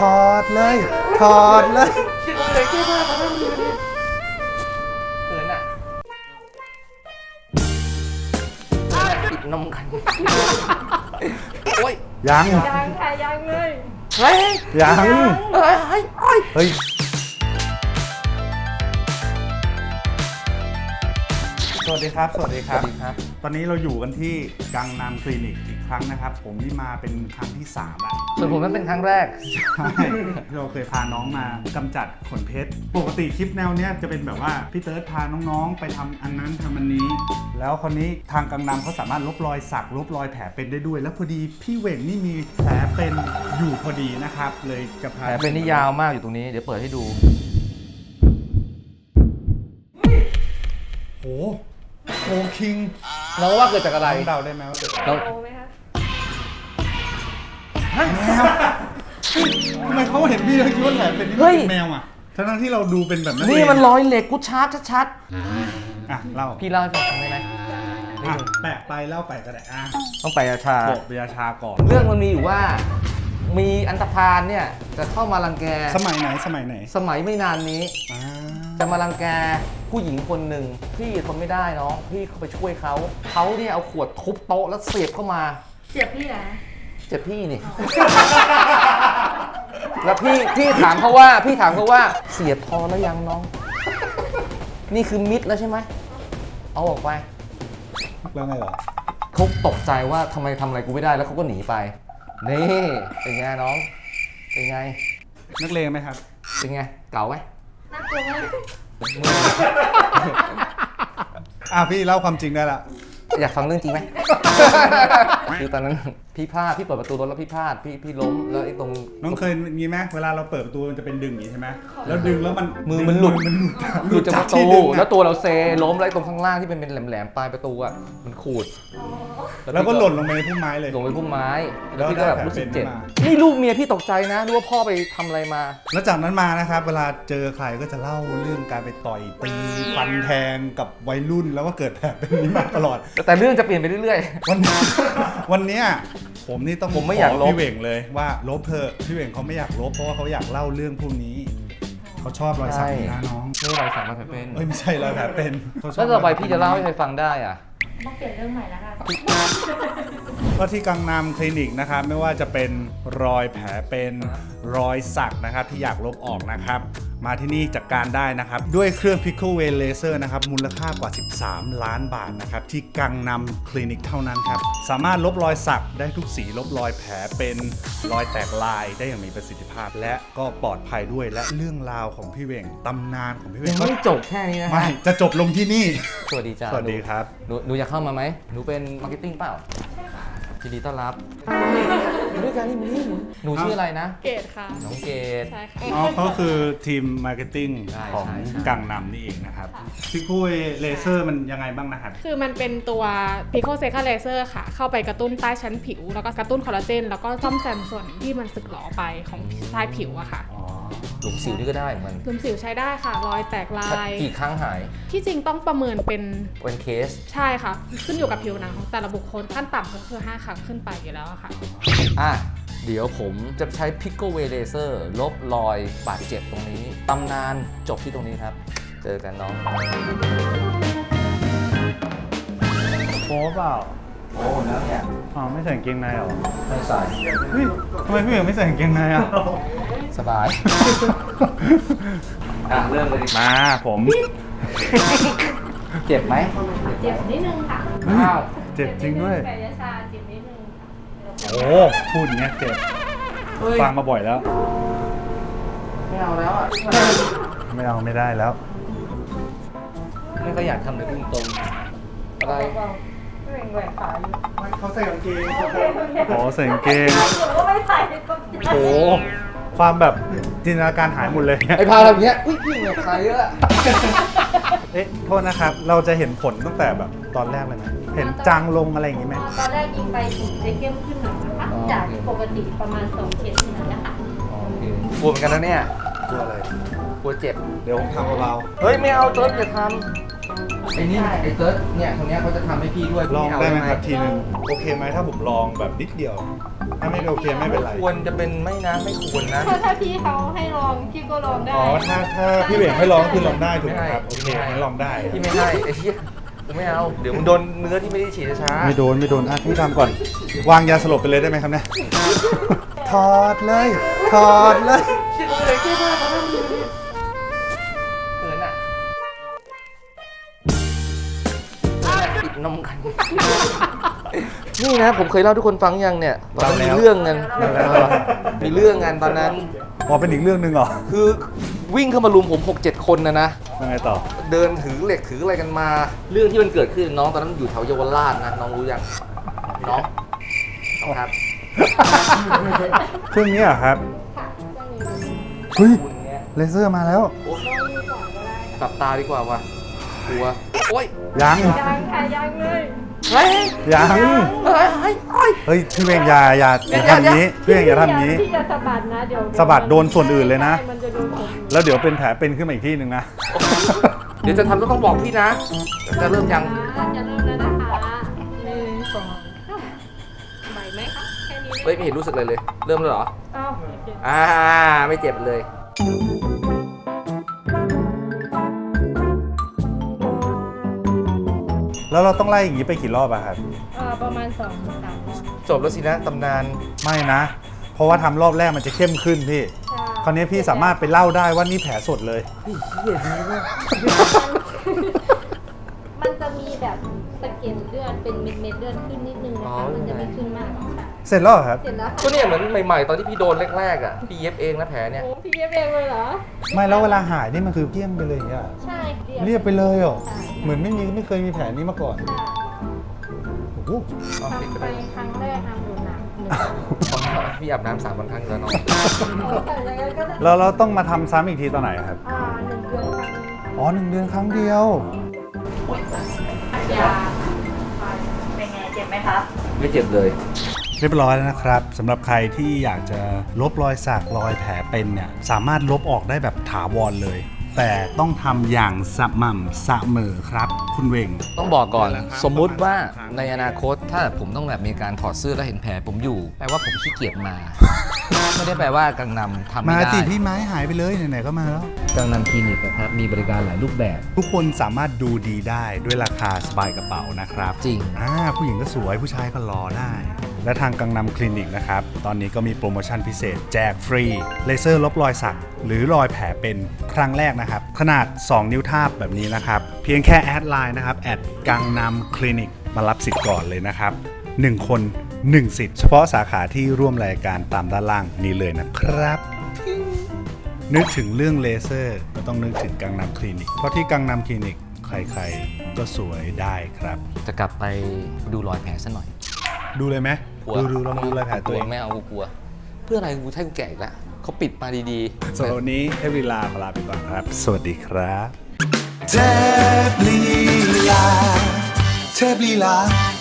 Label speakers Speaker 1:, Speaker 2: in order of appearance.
Speaker 1: อดเลยถอดเลย
Speaker 2: คิดเลยแค่ว่าเขาไม่มีเลยเขินอ่ะปิดนมกันโอ้ย
Speaker 1: ยัง
Speaker 3: ยังค่ะยังเลย
Speaker 2: เฮ้ย
Speaker 1: ยัง
Speaker 2: เฮ้ยเฮ้ยเฮ้ย
Speaker 1: เฮ้ยสวัสดีครับ สวัสดีครับ ตอนนี้เราอยู่กันที่กังนามคลินิกอีกครั้งนะครับ ผมนี่มาเป็นครั้งที่3ละ
Speaker 2: ส่วนผมนั้นเป็นครั้งแรก
Speaker 1: ใช่เราเคยพาน้องมากำจัดขนเพชรปกติคลิปแนวเนี้ยจะเป็นแบบว่าพี่เติร์ดพาน้องๆไปทำอันนั้นทำอันนี้ แล้วคนนี้ทางกังนามเขาสามารถลบรอยสักลบรอยแผลเป็นได้ด้วย แล้วพอดีพี่เหว่งนี่มีแผลเป็นอยู่พอดีนะครับ เลยจะพา
Speaker 2: แผลเป็นนี่ยาวมากอยู่ตรงนี้เดี๋ยวเปิดให้ดู
Speaker 1: โอ้โหคิง
Speaker 2: เราว่าเกิดจากอะไร
Speaker 1: เดาได้ไหมว่าเกิดจาก
Speaker 2: เรา
Speaker 3: โตไหมคะ
Speaker 1: แมวทำไมเขาเห็นพี่แล้วคิดว่าแผลเป็นนี่มันเป็นแมวอ่ะทั้งที่เราดูเป็นแบบนั้น
Speaker 2: นี่มันรอยเหล็กกูชาร์จชัด
Speaker 1: อ่ะเล่า
Speaker 2: ๆพี่เล่าให้ฟังได้ไหม
Speaker 1: อ่ะแปะไปเล่าไปก็ได้อ่ะ
Speaker 2: ต้องไปอาชา
Speaker 1: โปะเบียร์ชาก่อน
Speaker 2: เรื่องมันมีอยู่ว่ามีอันธพาลเนี่ยจะเข้ามารังแก
Speaker 1: สมัยไหนสมัยไหน
Speaker 2: สมัยไม่นานนี้
Speaker 1: อ่า
Speaker 2: จะมารังแกผู้หญิงคนหนึ่งพี่ทนไม่ได้น้องพี่เข้าไปช่วยเขาเนี่ยเอาขวดทุบโต๊ะแล้วเสียบเข้ามา
Speaker 3: เจ็บพี่เหรอ
Speaker 2: เจ็บพี่นี่ แล้วพี่ถามเขาว่าเสียบพอแล้วยังน้อง นี่คือมิดแล้วใช่ไหมเอาออกไป
Speaker 1: แล้วไงเหรอ
Speaker 2: เขาตกใจว่าทำไมทำอะไรกูไม่ได้แล้วเขาก็หนีไปนี่เป็นไงน้องเป็นไง
Speaker 1: นักเลงไหมครับ
Speaker 2: เป็นไงเก่าไหม
Speaker 3: น่ากลัวมาก
Speaker 1: อ่ะพี่เล่าความจริงได้ละ
Speaker 2: อยากฟังเรื่องจริงไหม คือตอนนั้นพี่พลาดพี่เปิดประตูรถแล้วพี่พลาดพี่ล้มแล้วไอ้ตรง
Speaker 1: น้องเคยมีไหมเวลาเราเปิดประตูมันจะเป็นดึงอย่างนี้ใช่ไหมแล้วดึงแล้วมัน
Speaker 2: มือมันหลุด
Speaker 1: ห
Speaker 2: หลุดจากประตู
Speaker 1: ที่ดึงอะ
Speaker 2: แล้วตัวเราเซล้มแล้วไอ้ตรงข้างล่างที่เป็นแหลมๆปลายประตูอ่ะมันขูด
Speaker 1: แล้วก็หล่นลงไปในพุ่มไม้เลย
Speaker 2: ลงไปพุ่มไม้
Speaker 1: แล้
Speaker 2: แล้ว
Speaker 1: ว
Speaker 2: พี่ก็แบบรู้สึกเจ็บ
Speaker 1: แผลเป็น
Speaker 2: นี่ลูกเมียพี่ตกใจนะรู้ว่าพ่อไปทำอะไรมา
Speaker 1: แล้วจากนั้นมานะครับเวลาเจอใครก็จะเล่าเรื่องการไปต่อยตีฟันแทงกับวัยรุ่นแล้วก็เกิดแผลเป็นนี้มาตลอด
Speaker 2: แต่เรื่องจะเปลี่ยนไปเรื่อย
Speaker 1: วันนี้ วันเนี้ยผมนี่ต้อง
Speaker 2: ผมไม่อยาก
Speaker 1: ข
Speaker 2: ลบ
Speaker 1: พี่เหว่งเลยว่าลบเถอะพี่เหว่งเขาไม่อยากลบเพราะว่าเขาอยากเล่าเรื่องพวกนี้เขาชอบรอยสักนี่นะน้อง
Speaker 2: ๆนี่รอยสักมาแผลเป็น
Speaker 1: เอ้ยไม่ใช่รอยแผลเป็นเขาชอบ
Speaker 2: แล้วต่อไปพี่จะเล่าให้ใครฟังได้อ่ะ
Speaker 3: ต้องเปลี่ยนเรื่องใหม่แล้วค่ะ
Speaker 1: ก็ที่กังนามคลินิกนะครับไม่ว่าจะเป็นรอยแผลเป็นรอยสักนะครับที่อยากลบออกนะครับมาที่นี่จัดการได้นะครับด้วยเครื่อง Pickle Way Laser นะครับมูลค่ากว่า13 ล้านบาทนะครับที่กังนามคลินิกเท่านั้นครับสามารถลบรอยสักได้ทุกสีลบรอยแผลเป็นรอยแตกลายได้อย่างมีประสิทธิภาพ และก็ปลอดภัยด้วยและเรื่องราวของพี่เหว่งตำนานของพี่เหว่
Speaker 2: ยัง ง
Speaker 1: ก็
Speaker 2: ไม่จบแค่นี้นะ
Speaker 1: ไม่
Speaker 2: ฮะ
Speaker 1: จะจบลงที่นี่
Speaker 2: สวัสดีจ้า
Speaker 1: สวัสดีครับ
Speaker 2: หนูอยากเข้ามาไหมหนูเป็นมาร์เก็ตติ้งเปล่ายินดีต้อนรับอยู่ด้วยกันนี่มึงหนูชื่ออะไรนะ
Speaker 3: เกตค่ะ
Speaker 2: น้องเกด
Speaker 3: ใช่ค่ะ
Speaker 1: อ๋อเขาคือทีมมาร์เก็ตติ้ง
Speaker 2: ใช่
Speaker 1: ของ
Speaker 2: ใช่ใช่
Speaker 1: กังนำนี่เองนะครับพี่คุยเลเซอร์มันยังไงบ้างนะครับ
Speaker 4: คือมันเป็นตัว Pico Seca Laser ค่ะ เข้าไปกระตุ้นใต้ชั้นผิว แล้วก็กระตุ้นคอลลาเจน แล้วก็ซ่อมแซมส่วนที่มันสึกหรอไปของใต้ผิวอะค่ะ
Speaker 1: อ๋อ
Speaker 2: หลุมสิวนี่ก็ได้เหมือน
Speaker 4: หลุมสิวใช้ได้ค่ะ รอยแตกลาย
Speaker 2: กี่ครั้งหาย
Speaker 4: ที่จริงต้องประเมินเป็น
Speaker 2: เป็นเคส
Speaker 4: ใช่ค่ะ ขึ้นอยู่กับผิวหนังของแต่ละบุคคลขั้นต่ำก็คือ 5 ครั้งขึ้นไปอยู่แล้วอะค่ะ
Speaker 2: อ่ะ เดี๋ยวผมจะใช้ Pickle Way Laser ลบรอยบาดเจ็บตรงนี้ ตำนานจบที่ตรงนี้ครับ เจอกันน้อง
Speaker 1: โป๊เปล่า
Speaker 2: โอ้แล้วเนี่ย
Speaker 1: อ๋อไม่ใส่กางเกงในเหรอ
Speaker 2: ไม่ใส่
Speaker 1: เฮ้ยทำไมพี่เหว่งไม่ใส่กางเกงในอ่ะ
Speaker 2: สบาย อ่ะ เริ่มเลยดิ
Speaker 1: มาผม
Speaker 2: เจ็บไหม
Speaker 3: เจ็บนิดนึงค่ะ
Speaker 2: อ้าว
Speaker 1: เจ็บจริงด้วย
Speaker 3: แผลยาชาเจ็บนิดนึงค่ะ
Speaker 1: โอ้พูดอย่างเงี้ยเจ็บ
Speaker 2: เฮ้ย
Speaker 1: ฟังมาบ่อยแล้ว
Speaker 2: ไม่เอาแล้วอ่ะ
Speaker 1: ไม่เอาไม่ได้แล้ว
Speaker 2: ไม่ก็อยากทำเลยพุ่งตรงๆอะไร
Speaker 3: แหว่งแหว่งขาอยู่
Speaker 1: เขาใส่กางเกงอ๋อใส่กางเกง
Speaker 3: หนูก็ไม่ใส่ก็ใจ
Speaker 1: โอ้ความแบบจินตนาการหายหมดเลย
Speaker 2: ไอ้พาทำอย่างเงี้ย อุ้ยพี่เหงื่อใครเยอะ
Speaker 1: เอ๊ะโทษนะครับ เราจะเห็นผลตั้งแต่แบบตอนแรกเลยไหมเห็นจางลงอะไรอย่างงี้ไหม
Speaker 3: ตอนแรกยิงไปถึงจะเข้มขึ้นหน่อยนะคะ จากปกติประมาณ2 เคสเท่านั้นนะคะ
Speaker 2: โอเคกลัวเหมือนกันนะเนี่ย
Speaker 1: กลัวอะไร
Speaker 2: กลัวเจ็บ
Speaker 1: เดี๋ยวผมทำเบา
Speaker 2: เฮ้ย ไม่เอาเติร์ดอย่าทำไอ้นี่ไอ้เติร์ดเนี่ยคนเนี้ยเขาจะทำให้พี่ด้วย
Speaker 1: ลอง
Speaker 2: พี่เา
Speaker 1: ได้ไหม
Speaker 2: ห
Speaker 1: ครับทีนึงโอเคไหมถ้าผมลองแบบนิดเดียว ถ้าไม่โอเคไม่เป็นไร
Speaker 2: ควรจะเป็นไม่นะไม่ควรนะ
Speaker 3: ถ้าพี่เขาให้ลองพี่ก็ลองได้
Speaker 1: อ๋อถ้าพี่เหวงให้ลองก็คือลองได้ถูกไหมครับโอเคงั้นลองได้
Speaker 2: พี่ไม่ให้ไอ้เหี้ยกูไม่เอาเดี๋ยวมึงโดนเนื้อที่ไม่ได้ฉีดช้า
Speaker 1: ไม่โดนอ่ะพี่ทำก่อน วางยาสลบไปเลยได้ไหมครับเนี่ยถอดเลยถอดเลย
Speaker 2: เชื่อเลยแค่ว่าเขาไม่มีเกินอ่ะปิดนมกันนี่นะผมเคยเล่าทุกคนฟังยังเนี่ยตอนนั้นมีเรื่องกันมีเรื่องกันตอนนั้น
Speaker 1: อ๋อเป็นอีกเรื่องหนึ่งเหรอ
Speaker 2: คือวิ่งเข้ามารุมผม 6-7 คนนะ
Speaker 1: ยังไงต่อ
Speaker 2: เดินถือเหล็กถืออะไรกันมา เรื่องที่มันเกิดขึ้นน้องตอนนั้นอยู่แถวเยาวราชนะน้องรู้ยังน้องครับ
Speaker 1: เครื่องนี้เหรอครับ
Speaker 3: ค่ะต้องมี
Speaker 1: เฮ้ย
Speaker 2: คุณเนี้ย
Speaker 1: เลเซอร์มาแล้ว
Speaker 2: โอ้
Speaker 3: ลองดูก่อนก็ได้
Speaker 2: กลับตาดีกว่าว่ะกลัวโอ้ย
Speaker 1: ยัง
Speaker 3: ยังค่ะยังเลย
Speaker 2: เฮ้ย
Speaker 1: ยัง
Speaker 2: เฮ้ยเฮ้ยเฮ้ย
Speaker 1: เฮ้ยพี่เวงอย่าทำนี้พี่เวงอย่าทำนี้
Speaker 3: พี่จะสะบัดนะเดี๋ยว
Speaker 1: สะบัดโดนส่วนอื่นเลยนะ
Speaker 3: ใช่มันจะโดนผม
Speaker 1: แล้วเดี๋ยวเป็นแผลเป็นขึ้นมาอีกที่หนึ่งนะ
Speaker 2: เดี๋ยวจะทำต้องบอกพี่นะจะเริ่มยัง
Speaker 3: จะเริ่มแล้วนะคะหนึ่งสองไหวไหมคะแค่นี้
Speaker 2: เฮ้ยไม่เห็นรู้สึกเลยเลย เริ่มแล้วเหรอ
Speaker 3: อ้าว
Speaker 2: ไม่เจ็บเลย
Speaker 1: แล้วเราต้องไล่อย่างนี้ไปกี่รอบอะครับ
Speaker 3: ประมาณ2-3รอบ
Speaker 2: จบแล้วสินะตำนาน
Speaker 1: ไม่นะ เพราะว่าทำรอบแรกมันจะเข้มขึ้นพี่
Speaker 3: ใช่
Speaker 1: คราวนี้พี่สามารถไปเล่าได้ว่านี่แผลสดเลย
Speaker 3: มันจะมีแบบสะเก็ดเลือดเป็นเม็ดเลือดขึ้นนิดนึงนะคะมันจะไม่ขึ้นมากหรอกค่ะ
Speaker 1: เสร็จแล้วเหรอครับ
Speaker 3: เสร็จแล้ว
Speaker 2: ก็เนี่ยเหมือนใหม่ๆ ตอนที่พี่โดนแรกๆอ่ะ พี่เย็บเองนะแผลเนี่ย
Speaker 3: โอ้พี่เย็บเองเลยเหรอ
Speaker 1: ไม่แล้วเวลาหายนี่มันคือเกลี้ยงไปเลยอย่างเงี้ย
Speaker 3: ใช่
Speaker 1: เรียบไปเลยเหรอ
Speaker 3: ใช่
Speaker 1: เหมือนไม่เคยมีแผลนี้มาก่อน
Speaker 3: ค่ะ
Speaker 1: โอ้โห
Speaker 3: ทำไปครั้งแรกทำอยู่หนักหนึ่ง
Speaker 2: พี่อาบน้ำ3 วันครั้งแล้วเนาะ
Speaker 3: แต่ยังไงก็ได้
Speaker 1: แล้วเราต้องมาทำซ้ำอีกทีตอนไหนครับ
Speaker 3: 1 เดือนครั้ง
Speaker 1: อ๋อ1 เดือนครั้งเดียว
Speaker 3: ยา
Speaker 5: เป็นไงเจ็บไหมครับ
Speaker 2: ไม่เจ็บเลย
Speaker 1: เรียบร้อยแล้วนะครับสำหรับใครที่อยากจะลบรอยสักรอยแผลเป็นเนี่ยสามารถลบออกได้แบบถาวรเลย แต่ต้องทำอย่างสม่ำเสมอครับ คุณเวง
Speaker 2: ต้องบอกก่อน
Speaker 1: นั่นแหละครับ
Speaker 2: สมมุติว่า
Speaker 1: ประมาณ3
Speaker 2: ในอนาคตถ้าผมต้องแบบมีการถอดเสื้อแล้วเห็นแผลผมอยู่ แปลว่าผมขี้เกียจมา ไม่ได้แปลว่ากังนำทำไม่
Speaker 1: มา
Speaker 2: ได้
Speaker 1: สิพี่ไม้หายไปเลยไหนๆก็มาแล้ว
Speaker 2: กังนำคลินิกนะครับมีบริการหลายรูปแบบ
Speaker 1: ทุกคนสามารถดูดีได้ด้วยราคาสบายกระเป๋านะครับ
Speaker 2: จริง
Speaker 1: ผู้หญิงก็สวยผู้ชายก็รอได้ และทางกังนำคลินิกนะครับ ตอนนี้ก็มีโปรโมชั่นพิเศษ แจกฟรี เลเซอร์ลบรอยสัก หรือรอยแผลเป็นครั้งแรกนะครับ ขนาด 2 นิ้วทาบแบบนี้นะครับ เพียงแค่แอดไลน์นะครับแอดกังนำคลินิกมารับสิทธิ์ก่อนเลยนะครับ 1 คน 1 สิทธิ์เฉพาะสาขาที่ร่วมรายการตามด้านล่างนี้เลยนะครับ นึกถึงเรื่องเลเซอร์ก็ต้องนึกถึงกังนำคลินิก เพราะที่กังนำคลินิกใครๆก็สวยได้ครับ
Speaker 2: จะกลับไปดูรอยแผลซะหน่อย
Speaker 1: ดูเลยไหม
Speaker 2: กลัว
Speaker 1: ดูลองดูรอยแผลตัวเอง
Speaker 2: ไม่เอากูกลัว เพื่ออะไรกูให้กูแก่อีกแล้วเขาปิดมาดีๆ
Speaker 1: สำหรับวันนี้ให้เวลาขอลาไปก่อนครับ สวัสดีครับ
Speaker 6: เทพลีลา